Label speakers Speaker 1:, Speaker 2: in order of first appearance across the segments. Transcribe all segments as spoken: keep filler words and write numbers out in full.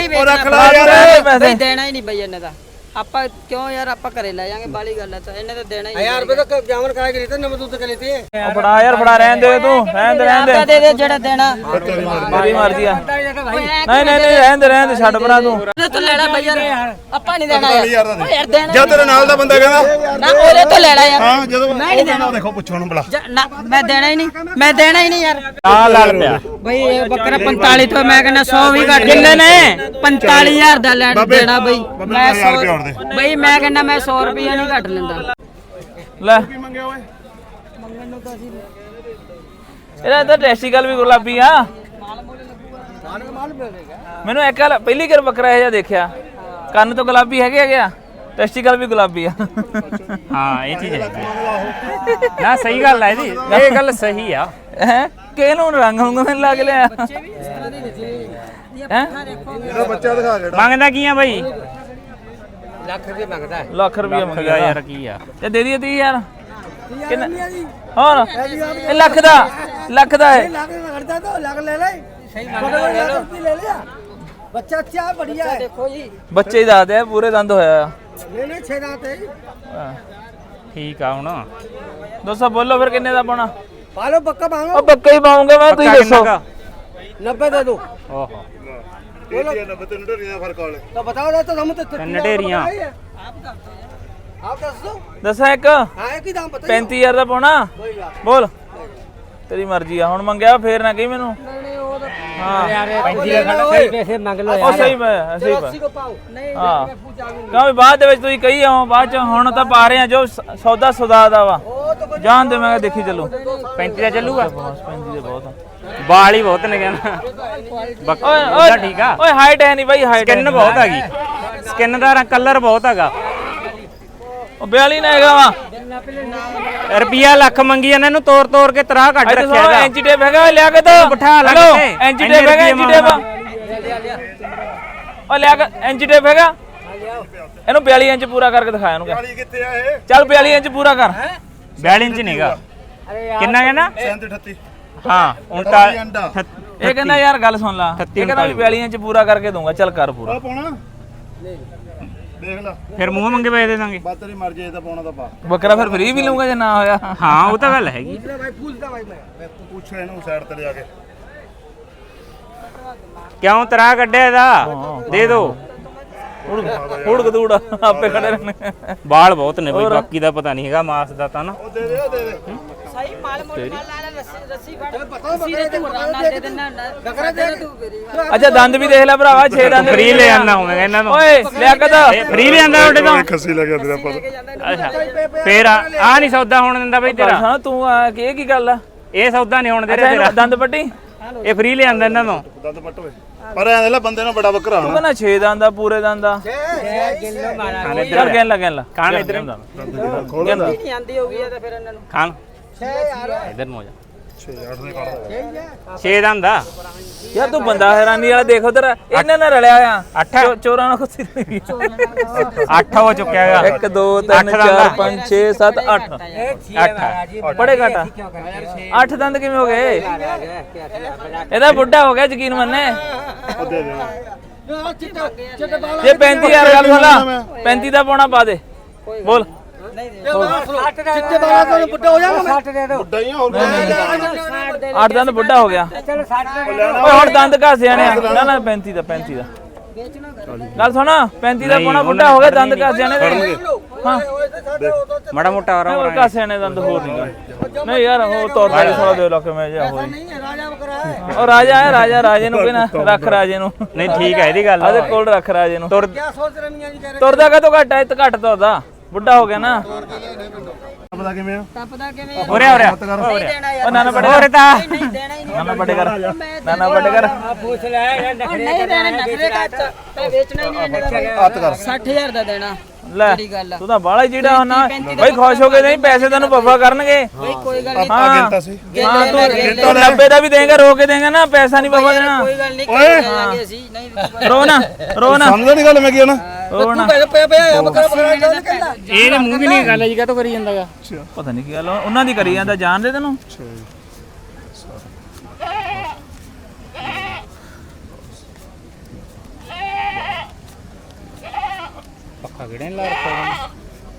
Speaker 1: ਨਹੀਂ ਵੇਚਣਾ ਬਈ ਦੇਣਾ ਹੀ ਨਹੀਂ ਬਈ ਇਹਨੇ ਦਾ ਆਪਾਂ ਕਿਉਂ ਯਾਰ ਆਪਾਂ ਘਰੇ ਲੈ ਜਾਾਂਗੇ ਬਾਲੀ ਗੱਲ ਹੈ ਤਾਂ ਇਹਨੇ ਤਾਂ ਦੇਣਾ ਹੀ
Speaker 2: यार रुपए तो जामन करा के लेते नमक दूध के लेते
Speaker 3: ਉਹ ਫੜਾ ਯਾਰ ਫੜਾ ਰਹਿਣ ਦੇ ਤੂੰ ਰਹਿਣ ਦੇ ਰਹਿਣ ਦੇ
Speaker 1: ਦੇ ਦੇ ਜਿਹੜਾ ਦੇਣਾ
Speaker 3: ਮੇਰੀ ਮਰਜ਼ੀ ਆ ਨਹੀਂ ਨਹੀਂ ਨਹੀਂ ਰਹਿਣ ਦੇ ਰਹਿਣ ਦੇ ਛੱਡ ਪਰਾਂ ਤੂੰ
Speaker 1: ਤੂੰ ਲੈਣਾ ਬਈ ਯਾਰ ਆਪਾਂ ਨਹੀਂ ਦੇਣਾ ਯਾਰ ਯਾਰ ਦੇਣਾ
Speaker 4: ਜਦ ਤੇਰੇ ਨਾਲ ਦਾ ਬੰਦਾ ਕਹਿੰਦਾ
Speaker 1: ਨਾ ਉਹਦੇ ਤੋਂ ਲੈਣਾ ਯਾਰ
Speaker 4: ਹਾਂ ਜਦੋਂ
Speaker 1: ਮੈਂ ਨਹੀਂ ਦੇਣਾ
Speaker 4: ਦੇਖੋ ਪੁੱਛੋ ਨੂੰ ਬਲਾ
Speaker 1: ਨਾ ਮੈਂ ਦੇਣਾ ਹੀ ਨਹੀਂ ਮੈਂ ਦੇਣਾ ਹੀ ਨਹੀਂ ਯਾਰ
Speaker 3: ਆ ਲੜ ਪਿਆ
Speaker 1: ਬਈ ਇਹ ਬੱਕਰਾ ਪੰਤਾਲੀ ਤੋਂ ਮੈਂ ਕਹਿੰਦਾ ਸੌ ਵੀ ਘੱਟ ਕਿੰਨੇ ਨੇ ਪੰਤਾਲੀ ਹਜ਼ਾਰ ਦਾ ਲੈਣਾ ਦੇਣਾ ਬਈ ਮੈਂ ਸੌ ਬਈ ਮੈਂ ਕਹਿੰਦਾ ਮੈਂ ਸੌ ਰੁਪਏ ਨਹੀਂ ਘੱਟ ਲੈਂਦਾ
Speaker 3: ਲੈ
Speaker 4: ਕੀ ਮੰਗਿਆ ਓਏ
Speaker 1: ਮੰਗਣ ਨੂੰ ਤਾਂ ਅਸੀਂ
Speaker 3: ਇਹਦਾ ਤਾਂ ਟੈਸਟੀਕਲ ਵੀ ਗੁਲਾਬੀ ਆ ਮੈਨੂੰ ਇੱਕ ਗੱਲ ਪਹਿਲੀ ਵਾਰ ਬੱਕਰਾ ਇਹ ਜਿਹਾ ਦੇਖਿਆ ਕੰਨ ਤੋਂ ਗੁਲਾਬੀ ਹੈਗੇ ਹੈਗੇ ਆ ਟੈਸਟੀਕਲ ਵੀ ਗੁਲਾਬੀ ਆ
Speaker 5: ਹਾਂ ਇਹ ਚੀਜ਼ ਹੈ ਨਾ ਸਹੀ ਗੱਲ ਹੈ ਇਹਦੀ ਇਹ ਗੱਲ ਸਹੀ ਆ
Speaker 3: ਹੈ ਕਿਹਨੂੰ ਰੰਗ ਹੁੰਗ ਮੈਨੂੰ ਲੱਗ ਲਿਆ ਹੈ
Speaker 4: ਇਹਦਾ ਬੱਚਾ ਦਿਖਾ ਜਿਹੜਾ
Speaker 5: ਮੰਗਦਾ ਕੀ ਆ ਬਾਈ
Speaker 2: लाख रुपए मांगता है
Speaker 3: ਲੱਖ ਰੁਪਏ ਮੰਗਿਆ
Speaker 5: ਯਾਰ ਕੀ ਆ
Speaker 3: ਤੇ ਦੇ ਦਈਏ ਤੀਹ ਹਜ਼ਾਰ ਕਿੰਨਾ ਹੋਰ ਇਹ ਲੱਖ ਦਾ ਲੱਖ ਦਾ ਹੈ
Speaker 2: लाख में करता तो लाख ले ले सही लाख ले लिया बच्चा अच्छा बढ़िया है
Speaker 1: ਦੇਖੋ ਜੀ
Speaker 3: ਬੱਚੇ ਹੀ ਦੱਸਦੇ ਆ ਪੂਰੇ ਦੰਦ ਹੋਇਆ
Speaker 2: नहीं नहीं छह दांत है
Speaker 3: ਆ
Speaker 5: ਠੀਕ ਆ ਹੁਣ
Speaker 3: ਦੋਸਤੋ ਬੋਲੋ ਫਿਰ ਕਿੰਨੇ ਦਾ ਪਾਉਣਾ
Speaker 2: पालो पक्का मांगो
Speaker 3: ਉਹ ਪੱਕਾ ਹੀ ਪਾਉਂਗਾ ਮੈਂ ਤੁਸੀਂ ਦੱਸੋ
Speaker 2: नब्बे दे दो
Speaker 5: ਓਹੋ
Speaker 4: ਇਹ ਨੱਬੇ ਤੇ ਨੜੀਆਂ ਦਾ ਫਰਕ ਵਾਲੇ
Speaker 2: तो बताओ ना तो हम तो
Speaker 5: नडेरियां।
Speaker 2: आप दस दो
Speaker 3: ਦੱਸਾਂ ਇੱਕ
Speaker 2: हाँ एक ही दाम बताइए
Speaker 3: ਪੈਂਤੀ ਹਜ਼ਾਰ ਦਾ ਪਾਉਣਾ ਬੋਲ ਤੇਰੀ ਮਰਜ਼ੀ ਆ ਹੁਣ ਮੰਗਿਆ ਫੇਰ ਨਾ ਕਹੀ ਮੈਨੂੰ ਹਾਂ
Speaker 2: पैंती का खड़ा सही पैसे मांग लो
Speaker 3: ਉਹ ਸਹੀ ਮੈਂ ਸਹੀ
Speaker 2: अस्सी को पाओ नहीं
Speaker 3: ਹਾਂ ਕਿਉਂ ਵੀ ਬਾਅਦ ਦੇ ਵਿੱਚ ਤੁਸੀਂ ਕਹੀ ਆਓ ਬਾਅਦ ਚ ਹੁਣ ਤਾਂ ਪਾ ਰਹੇ ਆ ਜੋ ਸ- ਸੌਦਾ ਸੌਦਾ ਦਾ ਵਾ ਜਾਣ ਦੇ ਮੈਂ ਕਿਹਾ ਦੇਖੀ ਚੱਲੂ
Speaker 5: ਪੈਂਤੀ ਦਾ ਚੱਲੂਗਾ
Speaker 3: ਪੈਂਤੀ ਦੇ ਬਹੁਤ ਆ
Speaker 5: ਵਾਲ ਹੀ ਬਹੁਤ ਨੇ ਕਹਿੰਦਾ
Speaker 3: ਓਏ
Speaker 5: ਬੱਕਰਾ ਠੀਕ ਆ
Speaker 3: ਓਏ ਹਾਈਟ ਹੈ ਨਹੀਂ ਬਾਈ ਹਾਈਟ
Speaker 5: ਸਕਿਨ ਬਹੁਤ ਹੈਗੀ ਸਕਿਨ ਦਾ ਕਲਰ ਬਹੁਤ ਹੈਗਾ
Speaker 3: ਉਹ ਬਿਆਲੀ ਨਾ ਹੈਗਾ ਵਾ
Speaker 5: ਰੁਪਿਆ ਲੱਖ ਮੰਗੀ ਇਹਨਾਂ ਨੂੰ ਤੋੜ ਤੋੜ ਕੇ ਤਰਾਹ ਕੱਢ
Speaker 3: ਇੱਥੇ
Speaker 5: ਰੱਖਿਆ
Speaker 3: ਸੋ
Speaker 5: ਇਹਦਾ
Speaker 3: ਐਂਚੀ ਟੇਪ ਹੈਗਾ ਲਿਆ ਕੇ ਦੋ
Speaker 5: ਬਿਠਾ ਲਾ
Speaker 3: ਹੈਲੋ,
Speaker 5: ਕਿਤੇ।
Speaker 3: ਐਂਚੀ
Speaker 5: ਇੰਨੇ
Speaker 3: ਟੇਪ ਹੈਗਾ
Speaker 5: ਰੁਪਈਏ
Speaker 3: ਐਂਚੀ ਟੇਪ ਉਹ ਲਿਆ ਕੇ ਐਂਚੀ ਟੇਪ ਹੈਗਾ ਇਹਨੂੰ ਬਿਆਲੀ ਇੰਚ ਪੂਰਾ ਕਰਕੇ ਦਿਖਾ ਇਹਨੂੰ ਕਹਿ।
Speaker 4: ਵਾਲੀ ਕਿੱਥੇ ਆ ਇਹ
Speaker 3: ਚੱਲ ਬਿਆਲੀ ਇੰਚ ਪੂਰਾ ਕਰ
Speaker 5: ਬਿਆਲੀ ਇੰਚ ਨਹੀਂਗਾ ਕਿੰਨਾ ਕਹਿੰਦਾ
Speaker 4: ਸੈਂਤੀ ਅਠੱਤੀ
Speaker 5: ਹਾਂ ਉਨਤਾਲੀ
Speaker 4: ਅੰਡਾ
Speaker 3: ਇਹ ਕਹਿੰਦਾ ਯਾਰ ਗੱਲ ਸੁਣ ਲਾ ਇਹ ਕਹਿੰਦਾ ਵੀ ਬਿਆਲੀ ਇੰਚ ਪੂਰਾ ਕਰਕੇ ਦੂੰਗਾ ਚੱਲ ਕਰ ਪੂਰਾ
Speaker 4: ਆ ਪਾਉਣਾ ਦੇਖ ਲੈ
Speaker 5: ਫਿਰ ਮੂੰਹ ਮੰਗੇ ਪੈ ਦੇ ਦਾਂਗੇ
Speaker 4: ਬਾ ਤੇਰੀ ਮਰਜ਼ੀ ਇਹ ਤਾਂ ਪਾਉਣਾ ਤਾਂ ਪਾ
Speaker 3: ਬੱਕਰਾ ਫਿਰ ਫ੍ਰੀ ਵੀ ਲਊਗਾ ਜੇ ਨਾ ਹੋਇਆ
Speaker 5: ਹਾਂ ਉਹ ਤਾਂ ਗੱਲ ਹੈਗੀ
Speaker 2: भाई पूछता भाई मैं
Speaker 4: ਪੁੱਛ ਇਹਨੂੰ ਸਾਈਡ ਤੇ ਲਿਆ ਕੇ
Speaker 5: ਕਿਉਂ ਤਰਾਹ ਕੱਢਿਆ ਇਹਦਾ ਦੇ ਦੋ
Speaker 3: ਹੁੜ ਗਦੂੜ ਆਪੇ ਖੜੇ ਰਹਿਣੇ
Speaker 5: ਵਾਲ ਬਹੁਤ ਨੇ ਬਈ ਬਾਕੀ ਦਾ ਪਤਾ ਨਹੀਂ ਹੈਗਾ ਮਾਸ ਦਾ ਤਾਂ ਨਾ
Speaker 4: ਉਹ ਦੇ ਦੇ ਉਹ ਦੇ ਦੇ
Speaker 1: ਸਹੀ ਮਾਲ ਮੋੜ ਮਾਲ ਲਾ ਰੱਸੀ ਰੱਸੀ ਫੜ ਰੱਸੀ ਦੇ ਤੂੰ ਨਾ ਦੇ ਦੇਣਾ ਬੱਕਰਾ ਦੇ ਤੂੰ ਮੇਰੀ
Speaker 3: ਅੱਛਾ ਦੰਦ ਵੀ ਦੇਖ ਲੈ ਭਰਾਵਾ ਛੇ ਦੰਦ
Speaker 5: ਫ੍ਰੀ ਲੈ ਆਂਦਾ ਹੋਵੇਗਾ ਇਹਨਾਂ ਤੋਂ
Speaker 3: ਓਏ ਲਿਆ ਕੇ ਤਾਂ
Speaker 5: ਫ੍ਰੀ ਲੈ ਆਂਦਾ ਤੁਹਾਡੇ ਤੋਂ
Speaker 4: ਖੱਸੀ ਲੱਗਿਆ ਤੇਰਾ ਪਤਾ
Speaker 5: ਅੱਛਾ ਫੇਰ ਆ ਆਹ ਨਹੀਂ ਸੌਦਾ ਹੋਣ ਦਿੰਦਾ ਬਈ ਤੇਰਾ
Speaker 3: ਹਾਂ ਤੂੰ ਆ ਕਿ ਇਹ ਕੀ ਗੱਲ ਆ
Speaker 5: ਇਹ ਸੌਦਾ ਨਹੀਂ ਹੋਣ ਦੇ
Speaker 3: ਅੱਛਾ
Speaker 5: ਰਿਹਾ
Speaker 3: ਇਹਨੂੰ
Speaker 5: ਤੇਰਾ
Speaker 3: ਦੰਦ ਪੱਟੀ
Speaker 5: ਇਹ ਫ੍ਰੀ ਲੈ ਆਂਦਾ ਇਹਨਾਂ ਤੋਂ
Speaker 4: ਦੰਦ ਪੱਟ ਓਏ ਪਰ ਐਂ ਦੇ ਲੈ ਬੰਦੇ ਨੂੰ ਬੜਾ ਬੱਕਰਾ
Speaker 3: ਤੂੰ
Speaker 4: ਹੋਣਾ
Speaker 3: ਕਹਿੰਦਾ ਛੇ ਦੰਦ ਆ ਪੂਰੇ ਦੰਦ ਆ
Speaker 5: ਖਾਣ ਇੱਧਰ
Speaker 3: ਚੱਲ ਕਹਿਣ ਲੱਗ ਲਾ
Speaker 5: ਖਾਣ ਇੱਧਰ
Speaker 4: ਖੋਲ ਲੈ
Speaker 1: ਨਹੀਂ ਆਂਦੀ ਹੋਗੀ ਇਹ ਤਾਂ ਫਿਰ ਇਹਨਾਂ ਨੂੰ
Speaker 5: ਖਾਣ ਇੱਧਰ ਨੂੰ ਹੋ ਜਾ
Speaker 4: ਛੇ ਅੱਠ ਦੇ ਕਾੜਾ
Speaker 5: ਛੇ ਦਾ ਹੁੰਦਾ
Speaker 3: ਯਾਰ ਤੂੰ ਬੰਦਾ ਹੈਰਾਨੀ ਵਾਲਾ ਦੇਖ ਉਧਰ ਇਹਨਾਂ ਨਾਲ ਰਲਿਆ ਆ
Speaker 5: ਅੱਠ
Speaker 3: ਚੋਰਾਂ ਨਾਲ ਖੁੱਸੀ
Speaker 5: ਅੱਠ ਹੋ ਚੁੱਕਿਆ ਹੈਗਾ
Speaker 3: ਇੱਕ ਦੋ ਤਿੰਨ ਚਾਰ ਪੰਜ ਛੇ ਸੱਤ ਅੱਠ
Speaker 5: ਅੱਠ
Speaker 3: ਬੜੇ ਘਟਾ ਅੱਠ ਦੰਦ ਕਿਵੇਂ ਹੋ ਗਏ ਇਹਦਾ ਬੁੱਢਾ ਹੋ ਗਿਆ ਯਕੀਨ ਮੰਨੇ
Speaker 4: ਉਹ ਦੇ ਦੇ
Speaker 3: ਜੇ ਪੈਂਤੀ ਹਜ਼ਾਰ ਗੱਲ ਸੁਣ ਲਾ ਪੈਂਤੀ ਦਾ ਪਾਉਣਾ ਪਾ ਦੇ ਬੋਲ
Speaker 2: चिट्टे वाला तो बुड्ढा हो जाएगा साठ दे दो
Speaker 4: ਵੱਡਾ ਹੀ ਆ ਹੋਰ
Speaker 3: ਅੱਠ ਦੰਦ ਬੁੱਢਾ ਹੋ ਗਿਆ ਓਏ ਹੁਣ ਦੰਦ ਘਾਸੇ ਆਣੇ ਨਾ ਨਾ ਪੈਂਤੀ ਦਾ ਪੈਂਤੀ ਦਾ ਗੱਲ ਸੁਣ ਪੈਂਤੀ ਦਾ ਪਾਉਣਾ ਬੁੱਢਾ ਹੋ ਗਿਆ ਦੰਦ ਘਾਸੇ ਆਣੇ ਹਾਂ
Speaker 5: ਮਾੜਾ ਮੋਟਾ
Speaker 3: ਹੋਰ
Speaker 5: ਆਰਾਮ
Speaker 3: ਘਾਸੇ ਆਣੇ ਦੰਦ ਹੋਰ ਨਹੀਂ ਨਹੀਂ ਯਾਰ ਉਹ ਤੌਰ ਤੇ ਥੋੜਾ ਦੇ ਲੱਖ ਮੈਂ ਜਾ ਹੋਈ
Speaker 2: राजा बकरा है
Speaker 3: ਉਹ ਰਾਜਾ ਹੈ ਰਾਜਾ ਰਾਜੇ ਨੂੰ ਕਹਿਣਾ ਰੱਖ ਰਾਜੇ ਨੂੰ
Speaker 5: ਨਹੀਂ ਠੀਕ ਹੈ ਇਹਦੀ ਗੱਲ
Speaker 3: ਆਦੇ ਕੋਲ ਰੱਖ ਰਾਜੇ ਨੂੰ
Speaker 5: ਤੁਰ
Speaker 2: क्या सोच रहे मियां जी कह रहे
Speaker 3: ਤੁਰਦਾ ਕਾ ਤੋਂ ਘੱਟ ਹੈ ਤੇ ਘੱਟ ਤੁਰਦਾ ਬੁੱਢਾ ਹੋ ਗਿਆ ਨਾ
Speaker 4: ਪਤਾ ਕਿਵੇਂ ਆ
Speaker 1: ਟੱਪਦਾ ਕਿਵੇਂ
Speaker 5: ਹੋ ਰਿਹਾ ਹੋ ਰਿਹਾ
Speaker 1: ਨਹੀਂ ਦੇਣਾ ਯਾਰ
Speaker 3: ਉਹ ਨਾਨਾ ਬੜੇ
Speaker 5: ਹੋਰ ਤਾਂ
Speaker 1: ਨਹੀਂ ਦੇਣਾ ਹੀ ਨਹੀਂ
Speaker 3: ਨਾਨਾ ਬੜੇ ਕਰ ਨਾਨਾ ਬੜੇ ਕਰ
Speaker 2: पूछ ले यार
Speaker 1: ਉਹ ਨਹੀਂ ਦੇਣਾ ਨਖਰੇ ਕੱਟ ਤੇ ਵੇਚਣਾ ਹੀ ਨਹੀਂ ਇਹਨੇ ਦਾ ਬਈ।
Speaker 4: ਹੱਥ ਕਰ
Speaker 1: ਸੱਠ ਹਜ਼ਾਰ ਦਾ ਦੇਣਾ
Speaker 3: ਲੈ
Speaker 1: ਜਿਹੜੀ ਗੱਲ ਆ
Speaker 3: ਤੂੰ ਤਾਂ ਬਾਲਾ ਜਿਹੜਾ ਹੁਣ ਬਈ ਖੁਸ਼ ਹੋ ਕੇ ਨਹੀਂ ਪੈਸੇ ਤੈਨੂੰ ਵਫਾ ਕਰਨਗੇ
Speaker 1: ਬਈ ਕੋਈ ਗੱਲ ਨਹੀਂ
Speaker 4: ਆ ਗਿਣਤਾ ਸੀ
Speaker 3: ਹਾਂ ਤੂੰ ਤੂੰ ਨੱਬੇ ਦਾ ਵੀ ਦੇਂਗਾ ਰੋ ਕੇ ਦੇਂਗਾ ਨਾ ਪੈਸਾ ਨਹੀਂ ਵਫਾ ਦੇਣਾ
Speaker 1: ਕੋਈ ਗੱਲ ਨਹੀਂ ਕਰ ਲਾਂਗੇ ਅਸੀਂ ਨਹੀਂ
Speaker 3: ਰੋ ਨਾ ਰੋ ਨਾ
Speaker 4: ਸਮਝਦਾ ਨਹੀਂ ਗੱਲ ਮੈਂ ਕੀ ਨਾ
Speaker 3: ਰੋ ਨਾ
Speaker 2: पे पे बकरा बकरा निकलना
Speaker 5: ਇਹਦੇ ਮੂੰਹ ਵੀ ਨਹੀਂ ਗੱਲ ਹੈ ਜੀ ਕਾ ਤੋਂ ਕਰੀ ਜਾਂਦਾਗਾ
Speaker 3: ਪਤਾ ਨਹੀਂ ਕੀ ਗੱਲ ਆ, ਉਹਨਾਂ ਦੀ ਕਰੀ ਜਾਂਦਾ ਜਾਣਦੇ ਤੈਨੂੰ
Speaker 5: ਪਗੜੇ ਲਾ ਰੱਖਾ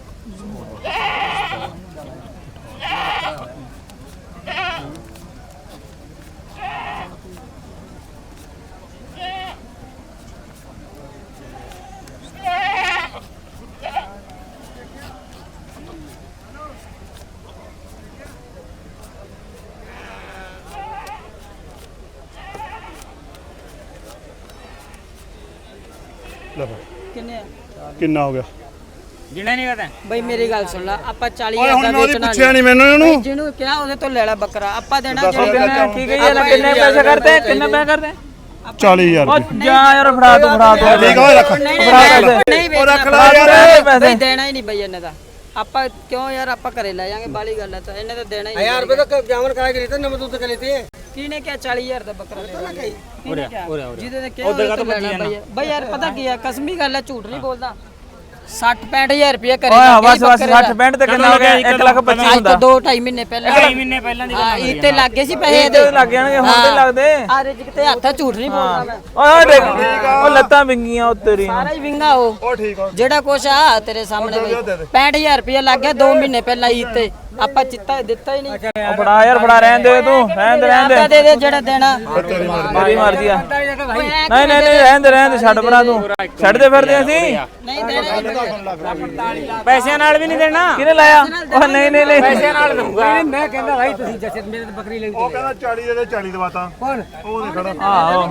Speaker 4: ਲੈ ਫੜ।
Speaker 1: ਕਿੰਨੇ ਆ?
Speaker 4: ਕਿੰਨਾ ਹੋ ਗਿਆ
Speaker 5: ਜਿਹੜਾ ਨਹੀਂ ਪਤਾ
Speaker 1: ਬਈ ਮੇਰੀ ਗੱਲ ਸੁਣ ਲੈ ਆਪਾਂ ਚਾਲੀ
Speaker 4: ਓਏ
Speaker 1: ਹਜ਼ਾਰ
Speaker 4: ਹੁਣ
Speaker 1: ਦਾ
Speaker 4: ਮੈਂ ਉਹਦੀ
Speaker 1: ਵੇਚਣਾ
Speaker 4: ਪੁੱਛਿਆ ਨਹੀਂ ਮੈਨੂੰ ਇਹਨੂੰ
Speaker 1: ਬਈ ਜਿਹਨੂੰ ਕਿਹਾ ਉਹਦੇ ਤੋਂ ਲੈ ਲੈ ਬੱਕਰਾ ਆਪਾਂ ਦੇਣਾ
Speaker 4: ਦੱਸ
Speaker 1: ਜਿਹੜੇ-
Speaker 4: ਕਿੰਨੇ-
Speaker 3: ਕੀ ਕਹੀ ਜਾਂਦਾ ਕਿੰਨੇ ਪੈਸੇ ਕਰਦੇ ਕਿੰਨੇ ਪੈਸੇ ਕਰਦੇ
Speaker 4: ਚਾਲੀ ਹਜ਼ਾਰ
Speaker 3: ਉਹ
Speaker 4: ਰੁਪਏ
Speaker 3: ਜਾ ਯਾਰ ਫੜਾ ਤੂੰ ਫੜਾ ਤੂੰ
Speaker 4: ਠੀਕ ਆ ਓਏ ਰੱਖ
Speaker 1: ਨਹੀਂ ਨਹੀਂ
Speaker 3: ਫੜਾ
Speaker 1: ਨਹੀਂ,
Speaker 3: ਦੇ।
Speaker 1: ਨਹੀਂ
Speaker 4: ਉਹ ਰੱਖ
Speaker 1: ਵੇਚਣਾ
Speaker 4: ਲੈ ਯਾਰ
Speaker 3: ਪੈਸੇ।
Speaker 1: ਬਈ ਦੇਣਾ ਹੀ ਨਹੀਂ ਬਈ ਇਹਨੇ ਦਾ ਆਪਾਂ ਕਿਉਂ ਯਾਰ ਆਪਾਂ ਘਰੇ ਲੈ ਜਾਾਂਗੇ ਬਾਲੀ ਗੱਲ ਹੈ ਤਾਂ ਇਹਨੇ ਤਾਂ ਦੇਣਾ ਹੀ ਨਹੀਂ
Speaker 2: हजार रुपए तो जामन करा के लेते हैं नमक दूध का लेते हैं
Speaker 1: ਕਿਹਨੇ ਕਿਹਾ ਚਾਲੀ ਹਜ਼ਾਰ ਦਾ ਬੱਕਰਾ ਦੇ ਦਾਂਗੇ
Speaker 5: ਉਰੇ ਆ, ਉਰੇ ਆ, ਉਰੇ ਆ।
Speaker 1: ਜਿਹਦੇ ਨੇ ਕਿਹਾ ਉਹਦੇ ਤੋਂ ਲੈਣਾ ਬਈ ਬਈ ਯਾਰ ਪਤਾ ਕੀ ਹੈ ਕਸਮੀ ਗੱਲ ਹੈ ਝੂਠ ਨਹੀਂ ਬੋਲਦਾ ਸੱਠ ਪੈਂਹਠ ਹਜ਼ਾਰ ਰੁਪਏ ਘਰੇ
Speaker 3: ਓਏ
Speaker 1: ਲੱਗੇ
Speaker 3: ਬਸ ਬਸ
Speaker 1: ਬੱਕਰੇ ਦਾ।
Speaker 3: ਸੱਠ ਪੈਂਹਠ ਤੇ ਕਿੰਨਾ ਹੋ ਗਿਆ ਇੱਕ ਲੱਖ ਪੱਚੀ
Speaker 1: ਅੱਜ
Speaker 3: ਹੁੰਦਾ
Speaker 1: ਤੋਂ ਦੋ ਢਾਈ ਮਹੀਨੇ ਪਹਿਲਾਂ
Speaker 5: ਢਾਈ ਮਹੀਨੇ ਪਹਿਲਾਂ ਦੀ
Speaker 1: ਹਾਂ ਇਹ ਤੇ ਲੱਗੇ ਸੀ ਪੈਸੇ
Speaker 3: ਇਹਦੇ ਲੱਗ ਜਾਣਗੇ ਹੁਣ ਤੇ ਲੱਗਦੇ
Speaker 1: ਆ ਰਿਜਕ ਤੇ ਹੱਥ ਝੂਠ ਨਹੀਂ ਬੋਲਦਾ ਮੈਂ
Speaker 3: ਓਏ ਦੇਖ ਉਹ ਲੱਤਾਂ ਵਿੰਗੀਆਂ ਉਹ ਤੇਰੀ
Speaker 1: ਸਾਰਾ ਹੀ ਵਿੰਗਾ ਉਹ
Speaker 4: ਉਹ ਠੀਕ ਆ
Speaker 1: ਜਿਹੜਾ ਕੁਛ ਆ ਤੇਰੇ ਸਾਹਮਣੇ ਬਈ ਪੈਂਹਠ ਹਜ਼ਾਰ ਰੁਪਏ ਲੱਗ ਗਿਆ ਦੋ ਮਹੀਨੇ ਪਹਿਲਾਂ ਈਦ ਤੇ ਆਪਾਂ ਚਿੱਤਾ ਦਿੱਤਾ ਹੀ ਨਹੀਂ
Speaker 3: ਉਹ ਫੜਾ ਯਾਰ ਫੜਾ ਰਹਿਣ ਦੇ ਤੂੰ ਰਹਿਣ ਦੇ ਰਹਿਣ ਦੇ
Speaker 1: ਆਪਦਾ ਦੇ ਦੇ ਜਿਹੜਾ ਦੇਣਾ
Speaker 3: ਮੇਰੀ ਮਰਜ਼ੀ ਆ ਨਹੀਂ ਨਹੀਂ ਨਹੀਂ ਰਹਿਣ ਦੇ ਰਹਿਣ ਦੇ ਛੱਡ ਪਰਾਂ ਤੂੰ ਛੱਡ ਦੇ ਫਿਰਦੇ ਅਸੀਂ
Speaker 1: ਨਹੀਂ ਦੇਣਾ ਹੀ ਨਹੀਂ।
Speaker 5: ਪੈਸਿਆਂ ਨਾਲ ਵੀ ਨਹੀਂ ਦੇਣਾ
Speaker 3: ਕਿਹਨੇ ਲਾਇਆ ਉਹ ਨਹੀਂ ਨਹੀਂ ਨਹੀਂ
Speaker 5: ਪੈਸਿਆਂ ਨਾਲ ਦਊਗਾ
Speaker 2: मैं कहना भाई तुसी जैसे मेरे तो बकरी लगी
Speaker 4: ਉਹ ਕਹਿੰਦਾ ਚਾਲੀ ਦੇ ਦੇ ਚਾਲੀ ਦਵਾਤਾ
Speaker 2: कौन
Speaker 4: ਉਹ ਨਹੀਂ ਖੜਾ
Speaker 3: ਆਹੋ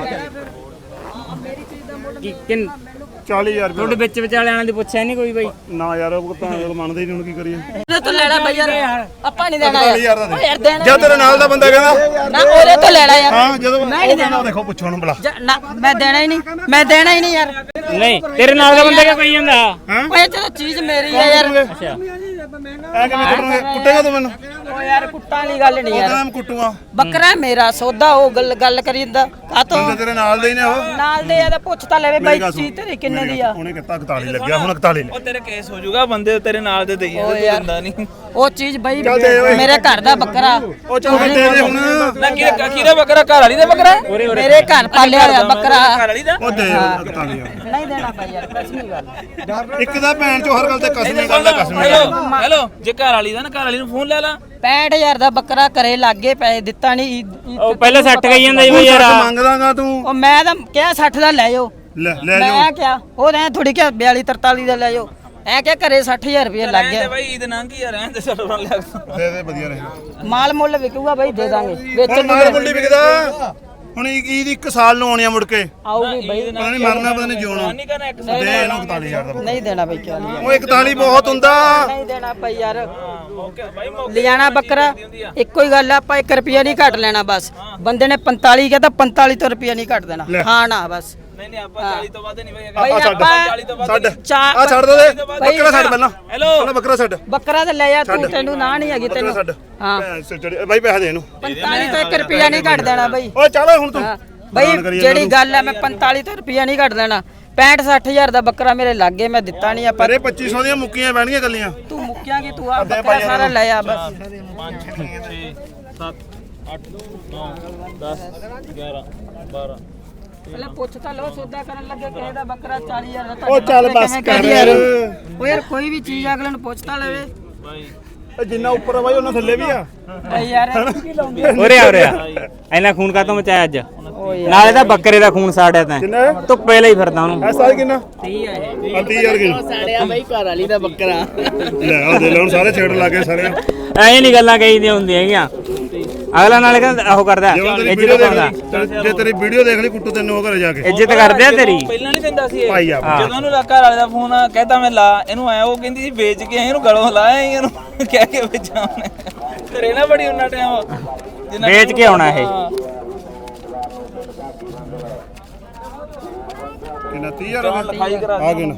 Speaker 5: ਕੀ ਕਿੰਨ
Speaker 4: ਚਾਲੀ ਹਜ਼ਾਰ
Speaker 5: ਤੁਹਾਡੇ
Speaker 4: ਰੁਪਏ
Speaker 5: ਵਿੱਚ ਵਿਚਾਲਿਆਂ ਦੀ ਪੁੱਛਿਆ ਨਹੀਂ ਕੋਈ ਬਈ
Speaker 4: ਨਾ ਯਾਰ ਉਹ ਤਾਂ ਜਦੋਂ ਮੰਨਦੇ ਹੀ ਨਹੀਂ ਹੁਣ ਕੀ ਕਰੀਏ
Speaker 1: ਉਹਦੇ ਤੋਂ ਲੈਣਾ ਬਈ ਯਾਰ ਆਪਾਂ ਨਹੀਂ ਦੇਣਾ
Speaker 4: ਚਾਲੀ ਹਜ਼ਾਰ ਦਾ
Speaker 1: ਓਏ ਯਾਰ ਦੇਣਾ
Speaker 4: ਜਦ ਤੇਰੇ ਨਾਲ ਦਾ ਬੰਦਾ ਕਹਿੰਦਾ
Speaker 1: ਨਾ ਉਹਦੇ ਤੋਂ ਲੈਣਾ ਯਾਰ
Speaker 4: ਹਾਂ ਜਦੋਂ
Speaker 1: ਮੈਂ ਨਹੀਂ
Speaker 4: ਉਹ ਕਹਿੰਦਾ ਦੇਖੋ ਪੁੱਛੋ ਉਹਨੂੰ ਬੁਲਾ
Speaker 1: ਜ- ਨਾ ਮੈਂ ਦੇਣਾ ਹੀ ਨਹੀਂ ਮੈਂ ਦੇਣਾ ਹੀ ਨਹੀਂ ਯਾਰ
Speaker 5: ਨਹੀਂ ਤੇਰੇ ਨਾਲ ਦਾ ਬੰਦਾ ਕਿਉਂ ਕਹੀ ਜਾਂਦਾ
Speaker 1: ਓਏ ਇਹ ਤਾਂ ਚੀਜ਼ ਮੇਰੀ ਹੈ ਯਾਰ
Speaker 5: ਅੱਛਾ
Speaker 4: ਐ ਕਿਵੇਂ ਕੁੱਟੂਗੇ ਕੁੱਟੇਗਾ ਤੂੰ ਮੈਨੂੰ
Speaker 1: ਓ ਯਾਰ ਕੁੱਟਾਂ ਵਾਲੀ ਗੱਲ ਨਹੀਂ
Speaker 4: ਉਹ
Speaker 1: ਯਾਰ
Speaker 4: ਕਹਿੰਦਾ ਮੈਂ ਕੁੱਟੂਗਾ
Speaker 1: ਬੱਕਰਾ ਮੇਰਾ ਸੌਦਾ ਉਹ ਗੱਲ ਗੱਲ ਕਰੀਂਦਾ ਕਾਤੋਂ
Speaker 4: ਬੰਦੇ ਤੇਰੇ ਨਾਲ ਦੇ ਹੀ ਨੇ ਉਹ
Speaker 1: ਨਾਲ ਦੇ ਆ ਤਾਂ ਪੁੱਛ ਤਾਂ ਲੈਵੇ ਬਾਈ
Speaker 4: ਮੇਰੀ ਗੱਲ ਸੁਣ।
Speaker 1: ਚੀਜ਼ ਤੇਰੀ ਕਿੰਨੇ
Speaker 4: ਮੇਰੀ
Speaker 1: ਦੀ
Speaker 4: ਗੱਲ
Speaker 1: ਆ
Speaker 4: ਸੁਣ, ਉਹਨੇ ਕਿਹਾ ਇਕਤਾਲੀ ਲੱਗਿਆ ਹੁਣ ਇਕਤਾਲੀ ਲੈ
Speaker 3: ਉਹ ਤੇਰੇ ਕੇਸ ਹੋ ਜਾਊਗਾ ਬੰਦੇ ਤੇਰੇ ਨਾਲ ਦੇ ਦੇਈਏ
Speaker 1: ਓ
Speaker 3: ਤੇ
Speaker 1: ਯਾਰ
Speaker 3: ਦਿੰਦਾ ਨਹੀਂ
Speaker 1: ਉਹ ਚੀਜ਼ ਬਾਈ
Speaker 4: ਚੱਲ ਦੇ ਓਏ।
Speaker 1: ਮੇਰੇ ਘਰ ਦਾ ਬੱਕਰਾ
Speaker 4: ਉਹ ਚਲ ਦੇ ਦੇ ਹੁਣ
Speaker 3: ਨਾ ਕਿਹਦਾ ਕਿਹਦਾ ਬੱਕਰਾ ਘਰ ਵਾਲੀ ਦਾ ਬੱਕਰਾ ਹੈ?
Speaker 1: ਮੇਰੇ ਘਰ ਪਾਲਿਆ ਹੋਇਆ ਬੱਕਰਾ
Speaker 3: ਘਰ ਵਾਲੀ ਦਾ
Speaker 4: ਉਹ ਦੇ ਇਕਤਾਲੀ ਹਜ਼ਾਰ
Speaker 1: ਨਹੀਂ ਦੇਣਾ ਬਾਈ ਯਾਰ ਕਸਮੀ ਗੱਲ
Speaker 4: ਇੱਕ ਦਾ ਭੈਣ ਚੋ ਹਰ ਗੱਲ ਤੇ ਕਸਮੀ ਗੱਲ ਦਾ ਕਸਮੀ ਗੱਲ
Speaker 3: ਹੈਲੋ ਹੈਲੋ ਜੇ ਘਰ ਵਾਲੀ ਦਾ ਨਾ ਘਰ ਵਾਲੀ ਨੂੰ ਫੋਨ ਲੈ ਲਾ
Speaker 1: ਪੈਂਹਠ ਹਜ਼ਾਰ ਦਾ ਬੱਕਰਾ ਘਰੇ ਲੱਗੇ ਪੈਸੇ ਦਿੱਤਾ ਨਹੀਂ
Speaker 5: ਉਹ ਪਹਿਲਾਂ ਸੱਟ ਗਈ ਜਾਂਦਾ ਜੀ
Speaker 4: ਤੂੰ
Speaker 5: ਬਈ ਯਾਰ
Speaker 4: ਸੱਠ ਮੰਗਦਾਗਾ ਤੂੰ
Speaker 1: ਉਹ ਮੈਂ ਤਾਂ ਕਿਹਾ ਸੱਠ ਦਾ ਲੈ ਜਾਓ
Speaker 4: ਲੈ ਲੈ ਜਾਓ
Speaker 1: ਮੈਂ ਕਿਹਾ ਉਹ ਐ ਥੋੜੀ ਕਿਹਾ ਬਿਆਲੀ ਤਰਤਾਲੀ ਦਾ ਲੈ ਜਾਓ ਐ ਕਿਹਾ ਘਰੇ ਸੱਠ ਹਜ਼ਾਰ ਰੁਪਏ ਲੱਗ
Speaker 3: ਰਹਿਣ ਦੇ
Speaker 1: ਗਿਆ
Speaker 3: ਬਾਈ ਈਦ ਨੰਗ ਹੀ ਆ ਰਹਿਣ ਦੇ ਛੱਡ ਬਣ ਲਿਆ
Speaker 4: ਦੇ ਦੇ ਵਧੀਆ ਰਹੇ
Speaker 1: ਮਾਲ ਮੁੱਲ ਵਿਕੂਗਾ ਬਾਈ ਦੇ ਦਾਂਗੇ
Speaker 4: ਹੁਣ
Speaker 1: ਵੇਚਣ ਨੂੰ
Speaker 4: ਮਾਰ ਮੁੰਡੀ ਵਿਕਦਾ ਹੁਣ ਈਦ ਇੱਕ ਸਾਲ ਨੂੰ ਆਉਣੀ ਆ ਮੁੜ ਕੇ
Speaker 1: ਆਊਗੀ ਬਾਈ
Speaker 4: ਪਤਾ ਨਹੀਂ ਮਰਨਾ ਪਤਾ ਨਹੀਂ ਜਿਉਣਾ
Speaker 3: ਨਹੀਂ ਕਰਨਾ ਇੱਕ
Speaker 4: ਦੇ ਇਹਨੂੰ ਇਕਤਾਲੀ ਹਜ਼ਾਰ ਦਾ
Speaker 1: ਨਹੀਂ ਦੇਣਾ ਬਾਈ ਕਿਉਂ ਨਹੀਂ
Speaker 4: ਉਹ ਇਕਤਾਲੀ ਬਹੁਤ ਹੁੰਦਾ
Speaker 1: ਨਹੀਂ ਦੇਣਾ ਬਾਈ ਯਾਰ
Speaker 3: ਓਕੇ ਬਾਈ ਮੌਕੇ
Speaker 1: ਲਿਜਾਣਾ ਬੱਕਰਾ ਇੱਕੋ ਹੀ ਗੱਲ ਆ ਆਪਾਂ ਇੱਕ ਰੁਪਿਆ ਨਹੀਂ ਘੱਟ ਲੈਣਾ ਬਸ ਬੰਦੇ ਨੇ ਪੰਤਾਲੀ ਕਿਹਾ ਤਾਂ ਪੰਤਾਲੀ ਤੋਂ ਰੁਪਿਆ ਨਹੀਂ ਘੱਟ ਦੇਣਾ
Speaker 4: ਲੈ।
Speaker 1: ਹਾਂ ਨਾ ਬਸ
Speaker 3: ਨਹੀਂ ਨਹੀਂ ਆਪਾਂ ਚਾਲੀ ਤੋਂ ਵੱਧ ਨਹੀਂ ਬਾਈ
Speaker 1: ਬਾਈ
Speaker 4: ਆ ਛੱਡ
Speaker 1: ਆਪਾਂ
Speaker 4: ਛੱਡ
Speaker 1: ਚਾਰ-
Speaker 4: ਆ ਛੱਡ ਦੋ ਦੇ ਬੱਕਰਾ ਛੱਡ ਪਹਿਲਾਂ
Speaker 3: ਹੈਲੋ
Speaker 4: ਪਹਿਲਾਂ ਬੱਕਰਾ ਛੱਡ
Speaker 1: ਬੱਕਰਾ ਤੇ ਲੈ ਜਾ ਤੂੰ ਤੈਨੂੰ ਨਾ ਨਹੀਂ ਹੈਗੀ
Speaker 4: ਬੱਕਰਾ
Speaker 1: ਤੈਨੂੰ
Speaker 4: ਛੱਡ
Speaker 1: ਹਾਂ
Speaker 4: ਭੈਣ ਸਿਰ ਚੜੀ ਬਾਈ ਪੈਸੇ ਦੇ ਇਹਨੂੰ
Speaker 1: ਪੰਤਾਲੀ ਤੋਂ ਇੱਕ ਰੁਪਿਆ ਨਹੀਂ ਘੱਟ ਦੇਣਾ ਬਾਈ
Speaker 4: ਓਏ ਚੱਲ ਹੁਣ ਤੂੰ
Speaker 1: ਹਾਂ ਬਈ ਜਿਹੜੀ ਗੱਲ ਆ ਮੈਂ ਪੰਤਾਲੀ ਤੋਂ ਰੁਪਿਆ ਨਹੀਂ ਘੱਟ ਦੇਣਾ ਪੈਂਹਠ ਸੱਠ ਹਜ਼ਾਰ ਦਾ ਬੱਕਰਾ ਮੇਰੇ ਲਾਗੇ ਮੈਂ ਦਿੱਤਾ ਨਹੀਂ ਆਪਾਂ
Speaker 4: ਅਰੇ ਪੱਚੀ ਸੌ ਦੀਆਂ ਮੁੱਕੀਆਂ ਬਹਿਣਗੀਆਂ ਗੱਲੀਆਂ
Speaker 1: ਤੂੰ ਮੁੱਕਿਆ ਕਿ ਤੂੰ ਆ ਬੱਕਰਾ ਸਾਰਾ ਲੈ ਆ ਬਸ
Speaker 3: ਪੰਜ ਛੇ ਸੱਤ ਅੱਠ ਨੌ ਦਸ ਗਿਆਰਾਂ ਬਾਰਾਂ
Speaker 1: ਪਹਿਲਾਂ ਪੁੱਛ ਤਾਂ ਲਓ ਸੌਦਾ ਕਰਨ ਲੱਗੇ ਕਿਸੇ ਦਾ ਬੱਕਰਾ ਚਾਲੀ ਹਜ਼ਾਰ ਦਾ
Speaker 4: ਉਹ ਚੱਲ ਬਸ ਕਰ ਯਾਰ
Speaker 1: ਉਹ ਯਾਰ ਕੋਈ ਵੀ ਚੀਜ਼ ਅਗਲੇ ਨੂੰ ਪੁੱਛ ਤਾਂ ਲਵੇ
Speaker 3: ਬਾਈ
Speaker 4: ਇਹ ਜਿੰਨਾ ਉੱਪਰ ਆ ਬਾਈ ਉਹਨਾਂ ਥੱਲੇ ਵੀ ਆ
Speaker 1: ਬਈ ਯਾਰ
Speaker 5: ਉਰੇ ਆ ਉਰੇ ਆ ਇੰਨਾ ਖੂਨ ਕਾਤੋਂ ਮਚਾਇਆ ਅੱਜ
Speaker 1: ਓ ਯਾਰ
Speaker 5: ਨਾਲੇ ਤਾਂ ਬੱਕਰੇ ਦਾ ਖੂਨ ਸਾੜਿਆ ਤੈਂ
Speaker 4: ਕਿੰਨਾ ਹੈ?
Speaker 5: ਧੁੱਪੇ ਲਈ ਫਿਰਦਾ ਉਹਨੂੰ
Speaker 4: ਇਹ ਸਾਲ ਕਿੰਨਾ
Speaker 1: ਤੀਹ ਆ ਇਹ
Speaker 4: ਆ ਤੀਹ ਹਜ਼ਾਰ ਕਿੰਨਾ
Speaker 1: ਸਾੜਿਆ ਬਈ ਘਰ ਵਾਲੀ ਦਾ ਬੱਕਰਾ
Speaker 4: ਲੈ ਆ ਦੇ ਲੈ ਹੁਣ ਸਾਰੇ ਛੇੜ ਲੱਗੇ ਸਾਰੇ
Speaker 5: ਐਂ ਨਹੀਂ ਗੱਲਾਂ ਕਹੀਦੀਆਂ ਹੁੰਦੀਆਂ ਹੈਗੀਆਂ ਅਗਲਾ ਨਾਲੇ ਕਹਿੰਦਾ ਉਹ ਕਰਦਾ
Speaker 4: ਜੇ ਤੇਰੀ
Speaker 5: ਇੱਜ਼ਤ
Speaker 4: ਵੀਡੀਓ ਦੇਖ
Speaker 5: ਪਾਉਂਦਾ
Speaker 4: ਲਈ ਤੇਰੀ- ਜੇ ਤੇਰੀ ਵੀਡੀਓ ਦੇਖ ਲਈ ਕੁੱਟੂ ਤੈਨੂੰ ਉਹ ਘਰੇ ਜਾ ਕੇ
Speaker 5: ਇੱਜ਼ਤ ਕਰਦੇ ਆ ਤੇਰੀ
Speaker 3: ਪਹਿਲਾਂ ਨਹੀਂ ਦਿੰਦਾ ਸੀ ਇਹ
Speaker 4: ਭਾਈ ਆ
Speaker 3: ਜਦੋਂ ਉਹਨੂੰ ਘਰ ਵਾਲੇ ਦਾ ਫੋਨ ਆ ਕਹਿੰਦਾ ਮੈਂ ਲਾ ਇਹਨੂੰ ਆਇਆ ਉਹ ਕਹਿੰਦੀ ਸੀ ਵੇਚ ਕੇ ਆਏ ਇਹਨੂੰ ਗਲੋਂ ਲਾਇਆ ਸੀ ਇਹਨੂੰ ਕਹਿ ਕੇ ਵੇਚਾਂ ਉਹਨੇ ਘਰੇ ਨਾ ਬੜੀ ਉਹਨਾਂ ਟਾਈਮ
Speaker 5: ਵੇਚ ਕੇ ਆਉਣਾ ਇਹ
Speaker 4: ਕਿੰਨਾ ਤੀਹ ਹਜ਼ਾਰ
Speaker 3: ਲਿਖਾਈ ਕਰਾ
Speaker 4: ਆ ਗਏ ਨਾ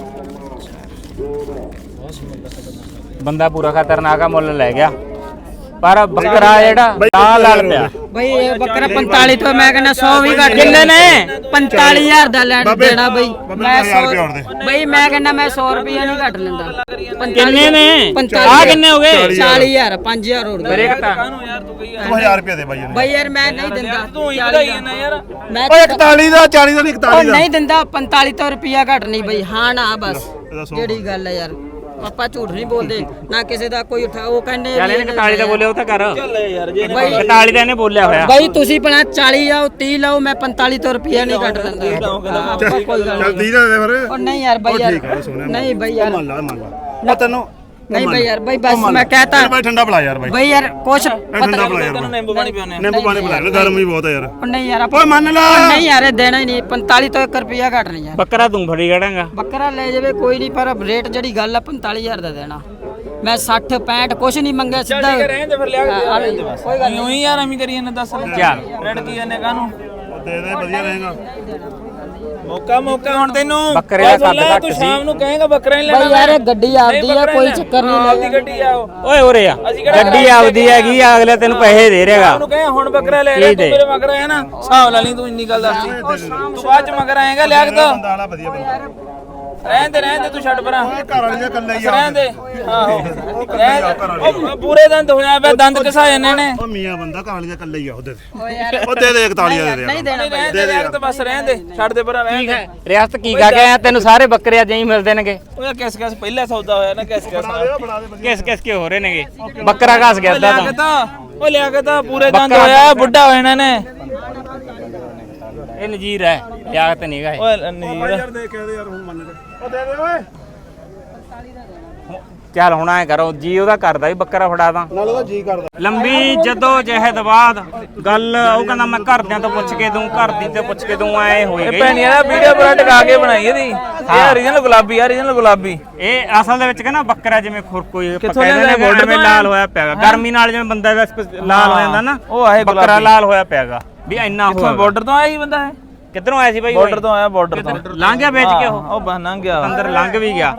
Speaker 5: ਬੰਦਾ ਪੂਰਾ ਖਤਰਨਾਕ ਆ ਮੁੱਲ ਲੈ ਗਿਆ ਪਰ ਬੱਕਰਾ ਜਿਹੜਾ ਲਾਲ ਲਾਲ ਪਿਆ
Speaker 1: ਬਈ ਇਹ ਬੱਕਰਾ ਪੰਤਾਲੀ ਤੋਂ ਮੈਂ ਕਹਿੰਦਾ ਸੌ ਵੀ ਘੱਟ ਕਿੰਨੇ ਨੇ ਪੰਤਾਲੀ ਹਜ਼ਾਰ ਦਾ ਲੈਣ ਦੇਣਾ ਬਈ ਮੈਂ ਸੌ ਬਈ ਮੈਂ ਕਹਿੰਦਾ ਮੈਂ ਸੌ ਰੁਪਏ ਨਹੀਂ ਘੱਟ ਲੈਂਦਾ
Speaker 5: ਕਿੰਨੇ ਨੇ ਆ ਕਿੰਨੇ ਹੋ ਗਏ
Speaker 1: ਚਾਲੀ ਹਜ਼ਾਰ ਪੰਜ ਹਜ਼ਾਰ ਹੋਰ
Speaker 5: ਮੇਰੇ ਘਟਾ
Speaker 4: ਤੂੰ ਹਜ਼ਾਰ ਰੁਪਏ ਦੇ ਬਾਈ
Speaker 1: ਬਈ ਯਾਰ ਮੈਂ ਨਹੀਂ ਦਿੰਦਾ
Speaker 3: ਤੂੰ ਹੀ ਵਧਾਈ ਜਾਂਦਾ ਯਾਰ
Speaker 1: ਮੈਂ
Speaker 4: ਓਏ ਇਕਤਾਲੀ ਦਾ ਚਾਲੀ ਦਾ ਨਹੀਂ
Speaker 1: ਉਹ
Speaker 4: ਇਕਤਾਲੀ ਦਾ
Speaker 1: ਨਹੀਂ ਦਿੰਦਾ ਪੰਤਾਲੀ ਤੋਂ ਰੁਪਿਆ ਘੱਟ ਨਹੀਂ ਬਈ ਹਾਂ ਨਾ ਬਸ ਜਿਹੜੀ ਗੱਲ ਹੈ ਯਾਰ ਆਪਾਂ ਝੂਠ ਨਹੀਂ ਬੋਲਦੇ ਨਾ ਕਿਸੇ ਦਾ ਕੋਈ ਉਠਾ ਉਹ ਕਹਿੰਦੇ
Speaker 5: ਚੱਲ ਇਹਨੇ ਇਕਤਾਲੀ ਦਾ ਬੋਲਿਆ ਉਹ ਤਾਂ ਕਰ
Speaker 3: ਚੱਲ ਯਾਰ ਜੇ
Speaker 1: ਬਈ
Speaker 5: ਇਕਤਾਲੀ ਦਾ ਇਹਨੇ ਬੋਲਿਆ ਹੋਇਆ
Speaker 1: ਬਈ ਤੁਸੀਂ ਭਲਾ ਚਾਲੀ ਆਓ ਤੀਹ ਲਾਓ ਮੈਂ ਪੰਤਾਲੀ ਤੋਂ ਰੁਪਿਆ ਨਹੀਂ ਕੱਟ ਦਿੰਦਾ ਆਪਾਂ ਕੋਈ ਗੱਲ
Speaker 4: ਚੱਲ
Speaker 1: ਨਹੀਂ
Speaker 4: ਤੀਹ ਦਾ ਦੇ ਫਿਰ
Speaker 1: ਉਹ ਨਹੀਂ ਯਾਰ ਬਈ ਯਾਰ
Speaker 4: ਠੀਕ ਹੈ ਸੋਹਣਾ
Speaker 1: ਨਹੀਂ ਬਈ ਯਾਰ
Speaker 4: ਮੰਨ ਲਾ ਮੰਨ ਲਾ ਮੈਂ ਤੈਨੂੰ
Speaker 1: ਨਹੀਂ ਬਈ ਯਾਰ ਬਈ ਬਸ ਮੈਂ ਕਹਤਾ
Speaker 4: ਬਾਈ ਠੰਡਾ ਪਿਲਾ ਯਾਰ ਬਾਈ
Speaker 1: ਬਈ ਯਾਰ ਕੁਛ
Speaker 4: ਠੰਡਾ ਪਿਲਾ ਯਾਰ
Speaker 3: ਤੈਨੂੰ ਨਿੰਬੂ ਪਾਣੀ ਪਿਉਣੇ
Speaker 4: ਨਿੰਬੂ ਪਾਣੀ ਪਿਲਾ ਲੈ ਗਰਮੀ ਬਹੁਤ ਹੈ ਯਾਰ
Speaker 1: ਉਹ ਨਹੀਂ ਯਾਰ
Speaker 4: ਓਏ ਮੰਨ ਲਾ
Speaker 1: ਨਹੀਂ ਯਾਰ ਇਹ ਦੇਣਾ ਹੀ ਨਹੀਂ ਪੰਤਾਲੀ ਤੋਂ ਇੱਕ ਰੁਪਿਆ ਘੱਟ ਨਹੀਂ ਯਾਰ
Speaker 5: ਬੱਕਰਾ ਤੂੰ ਫੜੀ ਖੜਾਂਗਾ
Speaker 1: ਬੱਕਰਾ ਲੈ ਜਾਵੇ ਕੋਈ ਨਹੀਂ ਪਰ ਰੇਟ ਜਿਹੜੀ ਗੱਲ ਆ ਪੰਤਾਲੀ ਹਜ਼ਾਰ ਦਾ ਦੇਣਾ ਮੈਂ ਸੱਠ ਪੈਂਹਠ ਕੁਛ ਨਹੀਂ ਮੰਗਿਆ ਸਿੱਧਾ
Speaker 3: ਰਹਿਣ ਦੇ ਫਿਰ ਲਿਆ ਕੇ
Speaker 1: ਆ ਲੈ ਜੀ ਬਸ ਕੋਈ ਗੱਲ
Speaker 3: ਨਹੀਂ ਉਹੀ ਯਾਰ ਐਵੇਂ ਕਰੀ ਇਹਨੇ ਦੱਸ
Speaker 5: ਚੱਲ
Speaker 3: ਰੜ ਕੀ ਇਹਨੇ ਕਾਹਨੂੰ
Speaker 4: ਦੇ ਦੇ ਵਧੀਆ ਰਹੇਗਾ
Speaker 3: ਮੌਕਾ ਮੌਕਾ ਹੁਣ ਤੈਨੂੰ
Speaker 5: ਬੱਕਰੇ ਦਾ ਕੱਦ ਘੱਟ
Speaker 3: ਤੂੰ
Speaker 5: ਸੀ।
Speaker 3: ਸ਼ਾਮ ਨੂੰ ਕਹੇਗਾ ਬੱਕਰਾ ਨਹੀਂ
Speaker 1: ਬਈ
Speaker 3: ਲੈਣਾ
Speaker 1: ਯਾਰ ਇਹ ਗੱਡੀ ਆਪਦੀ ਆ ਕੋਈ ਚੱਕਰ ਨਹੀਂ
Speaker 3: ਆਪਦੀ ਗੱਡੀ ਆ ਉਹ
Speaker 5: ਓਏ ਉਰੇ ਆ ਗੱਡੀ ਆਪਦੀ ਹੈਗੀ ਆ ਅਗਲੇ ਤੈਨੂੰ ਪੈਸੇ ਦੇ ਰਹੇਗਾ
Speaker 3: ਉਹਨੂੰ ਕਹੇ ਹੁਣ ਬੱਕਰਾ ਲੈ ਲੈ ਤੂੰ ਮੇਰੇ ਮਗਰ ਆਇਆ ਨਾ ਹਿਸਾਬ ਲਾ ਲਈ ਤੂੰ ਇੰਨੀ ਗੱਲ ਦੱਸੀ ਤੂੰ ਬਾਅਦ ਚ ਮਗਰ ਆਏਗਾ ਲਿਆ ਕੇ ਤਾਂ
Speaker 4: ਬੰਦਾ ਵਾਲਾ ਵਧੀਆ ਬੰਦਾ
Speaker 3: ਰਹਿਣ ਦੇ ਰਹਿਣ ਦੇ ਤੂੰ ਛੱਡ ਪਰਾਂ
Speaker 4: ਘਰ ਵਾਲੀ ਦਾ ਕੱਲਾ ਹੀ ਆ
Speaker 3: ਰਹਿਣ ਦੇ ਆਹੋ ਰਹਿਣ ਦੇ। ਉਹ ਪੂਰੇ ਦੰਦ ਹੋਇਆ ਪਿਆ ਦੰਦ ਘਸਾ ਜਾਂਦੇ ਨੇ
Speaker 4: ਉਹ ਮੀਆਂ ਬੰਦਾ ਘਰ ਵਾਲੀ ਦਾ ਕੱਲਾ ਹੀ ਆ ਉਹਦੇ ਤੇ ਉਹ ਦੇ ਦੇ ਇਕਤਾਲੀ ਦਾ ਦੇ ਦੇ
Speaker 1: ਨਹੀਂ ਦੇਣਾ
Speaker 3: ਨਹੀਂ ਰਹਿਣ ਦੇ ਰਹਿਣ ਤੇ ਬਸ ਰਹਿਣ ਦੇ ਛੱਡ ਦੇ ਪਰਾਂ ਰਹਿਣ ਦੇ
Speaker 5: ਰਿਆਸਤ ਕੀ ਕਾ ਕੇ ਆਇਆ ਤੈਨੂੰ ਸਾਰੇ ਬੱਕਰੇ ਅੱਜ ਹੀ ਮਿਲਦੇ ਨੇਗੇ
Speaker 3: ਉਹ ਕਿਸ ਕਿਸ ਪਹਿਲਾ ਸੌਦਾ ਹੋਇਆ ਨਾ ਕਿਸ ਕਿਸ
Speaker 4: ਬਣਾ ਦੇ
Speaker 5: ਕਿਸ ਕਿਸ ਕੇ ਹੋ ਰਹੇ ਨੇਗੇ ਬੱਕਰਾ ਘਸ ਗਿਆ ਅੱਧਾ
Speaker 3: ਲਿਆ ਕੇ
Speaker 5: ਤਾਂ
Speaker 3: ਤਾਂ ਉਹ ਲਿਆ ਕੇ ਤਾਂ ਪੂਰੇ ਦੰਦ ਹੋਇਆ ਬੁੱਢਾ ਹੋ ਜਾਣਾ ਨੇ
Speaker 5: ਇਹ ਨਜੀਰ ਹੈ ਲਿਆਕਤ ਨਹੀਂ ਗਾ ਇਹ
Speaker 3: ਓਏ ਨੀਰ
Speaker 4: ਯਾਰ ਦੇ ਕੇ ਦੇ ਯਾਰ ਹੁਣ ਮੰਨ ਦੇ ਉਹ ਦੇ ਦੇ ਓਏ
Speaker 5: ਚੱਲ ਹੁਣ ਐ ਕਰੋ ਜੀ ਉਹਦਾ ਕਰਦਾ ਵੀ ਬੱਕਰਾ ਫੜਾ ਦਾਂ
Speaker 4: ਨਾਲ ਉਹਦਾ ਜੀ ਕਰਦਾ
Speaker 5: ਲੰਬੀ ਜਦੋਂ ਜਹਿਦ ਬਾਅਦ ਗੱਲ ਉਹ ਕਹਿੰਦਾ ਮੈਂ ਘਰਦਿਆਂ ਤੋਂ ਪੁੱਛ ਕੇ ਦੂੰ ਘਰ ਦੀ ਤੇ ਪੁੱਛ ਕੇ ਦੂੰ ਐ ਹੋਈ
Speaker 3: ਇਹ
Speaker 5: ਗਈ
Speaker 3: ਭੈਣੀਆਂ ਦਾ ਵੀਡੀਓ ਬੜਾ ਟਕਾ ਕੇ ਬਣਾਈ ਇਹਦੀ ਇਹ ਓਰੀਜਨਲ ਗੁਲਾਬੀ ਆ ਓਰੀਜਨਲ ਗੁਲਾਬੀ
Speaker 5: ਇਹ ਅਸਲ ਦੇ ਵਿੱਚ ਕਹਿੰਦਾ ਬੱਕਰਾ ਜਿਵੇਂ ਖੁਰਕੋਈ
Speaker 3: ਕਿੱਥੋਂ
Speaker 5: ਕਹਿੰਦੇ ਨੇ
Speaker 3: ਲਿਆਂਦਾ?
Speaker 5: ਬਾਰਡਰ ਲਾਲ ਹੋਇਆ ਪਿਆਗਾ ਗਰਮੀ ਨਾਲ ਜਿਵੇਂ ਬੰਦਾ ਦਾ ਲਾਲ ਹੋ ਜਾਂਦਾ ਨਾ
Speaker 3: ਉਹ ਆਏ
Speaker 5: ਬੱਕਰਾ
Speaker 3: ਗੁਲਾਬੀ।
Speaker 5: ਲਾਲ ਹੋਇਆ ਪਿਆਗਾ ਵੀ ਇੰਨਾ
Speaker 3: ਕਿੱਥੋਂ
Speaker 5: ਹੋਇਆ
Speaker 3: ਬਾਰਡਰ ਤੋਂ ਆਇਆ ਹੀ ਬੰਦਾ ਹੈ
Speaker 5: ਕਿੱਧਰੋਂ ਆਇਆ ਸੀ ਬਾਈ
Speaker 3: ਬਾਰਡਰ ਤੋਂ ਆਇਆ ਬਾਰਡਰ ਤੋਂ
Speaker 5: ਲੰਘ ਗਿਆ ਵੇਚ ਕੇ ਉਹ
Speaker 3: ਉਹ ਬਸ ਲੰਘ ਗਿਆ
Speaker 5: ਅੰਦਰ ਲੰਘ ਵੀ ਗਿਆ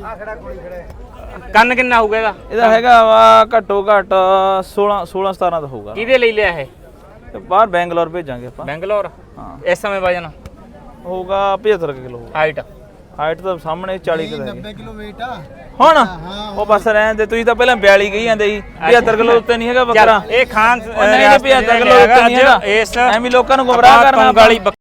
Speaker 5: ਕੰਨ ਕਿੰਨਾ ਹੋਊਗਾ ਇਹਦਾ
Speaker 3: ਇਹਦਾ ਹੈਗਾ ਵਾ ਘੱਟੋ ਘੱਟ ਸੋਲਾਂ ਸੋਲਾਂ ਸਤਾਰਾਂ ਦਾ ਹੋਊਗਾ
Speaker 5: ਕਿਹਦੇ ਲਈ ਲਿਆ ਇਹ
Speaker 3: ਤੇ ਬਾਹਰ ਬੈਂਗਲੌਰ ਭੇਜਾਂਗੇ ਆਪਾਂ
Speaker 5: ਬੈਂਗਲੌਰ
Speaker 3: ਹਾਂ
Speaker 5: ਇਸ ਸਮੇਂ ਵਜਨ
Speaker 3: ਹੋਊਗਾ ਪਝੱਤਰ ਕਿਲੋ
Speaker 5: ਹਾਈਟ
Speaker 3: ਹਾਈਟ ਤਾਂ ਸਾਹਮਣੇ ਚਾਲੀ ਕਿਲੋ
Speaker 2: ਨੱਬੇ ਕਿਲੋ weight ਆ
Speaker 3: ਹੁਣ ਉਹ ਬਸ ਰਹਿਣ ਦੇ ਤੁਸੀਂ ਤਾਂ ਪਹਿਲਾਂ ਬਿਆਲੀ ਕਹੀ ਜਾਂਦੇ ਸੀ ਪਝੱਤਰ ਕਿਲੋ ਉੱਤੇ ਨਹੀਂ ਹੈਗਾ ਬੱਕਰਾ
Speaker 5: ਇਹ ਖਾਨ
Speaker 3: ਉਹ ਨਹੀਂ ਪਝੱਤਰ ਕਿਲੋ ਉੱਤੇ ਨਹੀਂ ਹੈਗਾ
Speaker 5: ਇਸ
Speaker 3: ਐਵੇਂ ਲੋਕਾਂ ਨੂੰ ਗੁੰਮਰਾਹ ਕਰਨਾ
Speaker 5: ਵਾਲੀ